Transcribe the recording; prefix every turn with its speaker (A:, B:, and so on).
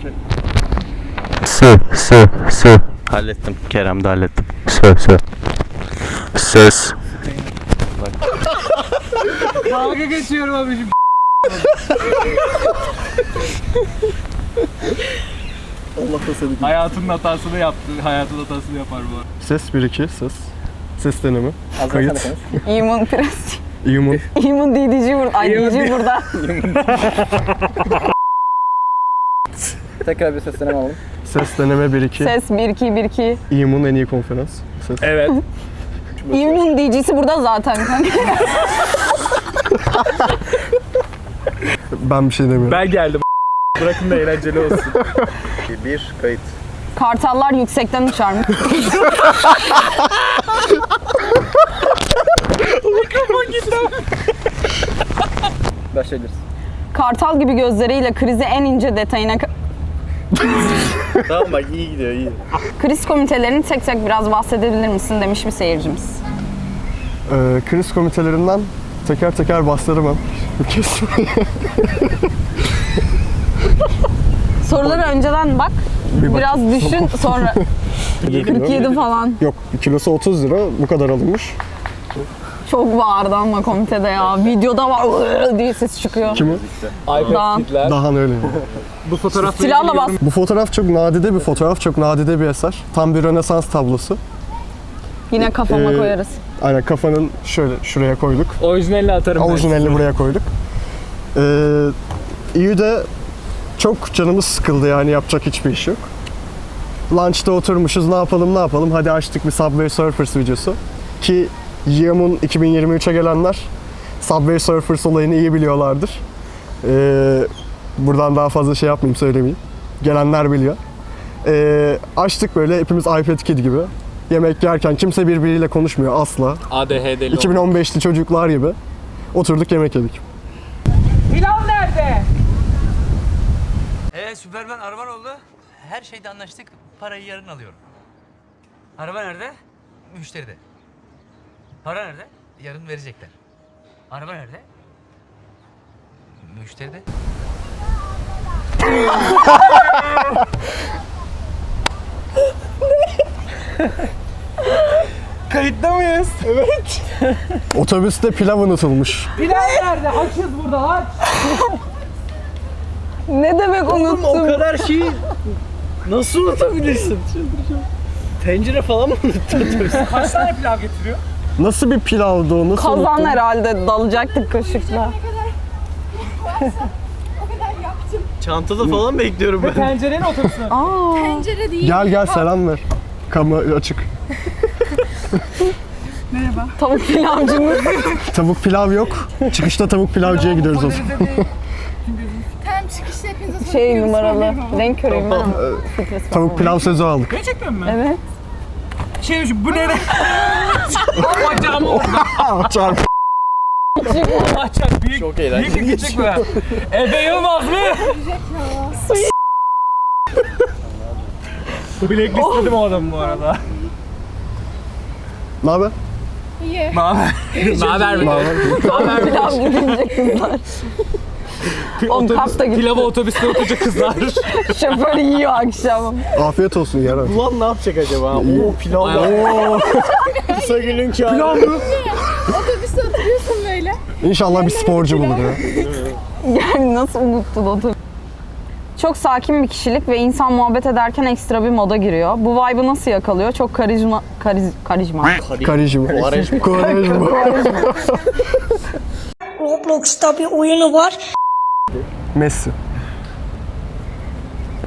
A: Sö. Hallettim. Kerem de hallettim. Sö. Söz.
B: Dalga geçiyorum abicim.
C: Allah da seni.
B: Hayatının hatasını yaptı. Hayatın hatasını yapar bu arada.
C: Ses 1-2 ses. Ses deneme. Kayıt.
D: İmun Prens.
C: Human.
D: İmun DDC burada. Ay DDC burada.
E: Tekrar bir sesleneme alalım.
C: Ses deneme 1-2.
D: Ses 1-2-1-2.
C: İmun en iyi konferans. Ses.
B: Evet.
D: İmun DC'si burada zaten kanka.
C: Ben bir şey demiyorum.
B: Ben geldim. Bırakın da eğlenceli olsun.
E: 1 kayıt.
D: Kartallar yüksekten uçarmış.
E: Başlayabiliriz.
D: Kartal gibi gözleriyle krizi en ince detayına...
E: Tamam bak iyi gidiyor iyi.
D: Kriz komitelerini tek tek biraz bahsedebilir misin demiş bir seyircimiz.
C: Kriz komitelerinden teker teker bahsedemem.
D: Soruları önceden bak,
C: Bir bak.
D: biraz düşün sonra 47 falan.
C: Yok, kilosu 30 lira. Bu kadar alınmış.
D: Çok bağırdı ama komitede ya. Videoda var diye ses çıkıyor.
C: Kim o?
D: Daha.
B: iPad
C: Dahan öyle.
B: Bu fotoğraf
D: Silahla bas.
C: Bu fotoğraf çok nadide bir fotoğraf. Çok nadide bir eser. Tam bir Rönesans tablosu.
D: Yine kafama
C: Ee,
D: koyarız.
C: Aynen kafanın şöyle şuraya koyduk.
B: Orijinalini atarım ben.
C: Orijinalini buraya koyduk. İyi de çok canımız sıkıldı yani yapacak hiçbir iş yok. Lunch'ta oturmuşuz ne yapalım hadi açtık bir Subway Surfers videosu. Ki Yeam'un 2023'e gelenler Subway Surfers olayını iyi biliyorlardır. Buradan daha fazla şey yapmayayım söylemeyeyim. Gelenler biliyor. Açtık böyle hepimiz iPad Kid gibi. Yemek yerken kimse birbiriyle konuşmuyor asla.
B: ADHD'li
C: 2015'li çocuklar gibi. Oturduk yemek yedik.
B: Pilav nerede?
F: Süpermen araban oldu. Her şeyde anlaştık. Parayı yarın alıyorum. Araba nerede? Müşteride. Para nerede? Yarın verecekler. Araba nerede? Müşteride.
B: Kayıtta mıyız?
C: Otobüste pilav unutulmuş.
B: Pilav nerede? Açız burada aç.
D: Ne demek unuttum?
E: O kadar şeyi nasıl unutabilirsin? Tencere falan mı unuttun?
B: Kaç tane pilav getiriyor?
C: Nasıl bir pilavdı o? Nasıl
D: Kazan
C: unuttun?
D: herhalde dalacaktık kaşıkla.
E: Çantada falan bekliyorum ben.
B: Tencerenin otursun.
G: Pencere değil.
C: Gel selam ver. Kamera açık.
D: Tavuk pilavcımız.
C: Tavuk pilav yok. Çıkışta tavuk pilavcıya gidiyoruz o zaman.
G: Tam çıkışta hepinize
D: Şey numaralı. Renk körüyüm ben.
C: Tavuk pilav sözü aldık.
B: Gerçekten mi?
D: Evet.
B: Şey bu ne? Bacağım oldu.
C: Çarp.
B: Bacak büyük.
E: Çok
B: Büyük
E: eğlenceli
B: bir küçük mü? Ebe Yılmaz mı? Blacklistledim o adamı bu arada.
C: Ne haber?
G: iyi.
B: Ne haber mi?
D: Pilav gidince kızlar. Oğlum kapta gitti.
B: Pilava otobüste oturacak kızlar.
D: Şoför yiyor akşam.
C: Afiyet olsun yarar.
E: Ulan ne yapacak acaba? Oo pilav. Oo. Kısa günün kârı. Pilav mı?
G: Otobüste oturuyorsun böyle.
C: İnşallah bir sporcu bulur ya.
D: Yani nasıl unuttun o tabii. Çok sakin bir kişilik ve insan muhabbet ederken ekstra bir moda giriyor. Bu vibe'ı nasıl yakalıyor? Çok karizma.
C: Karijim. Kovarejim.
H: Roblox'ta bir oyunu var.
C: Messi.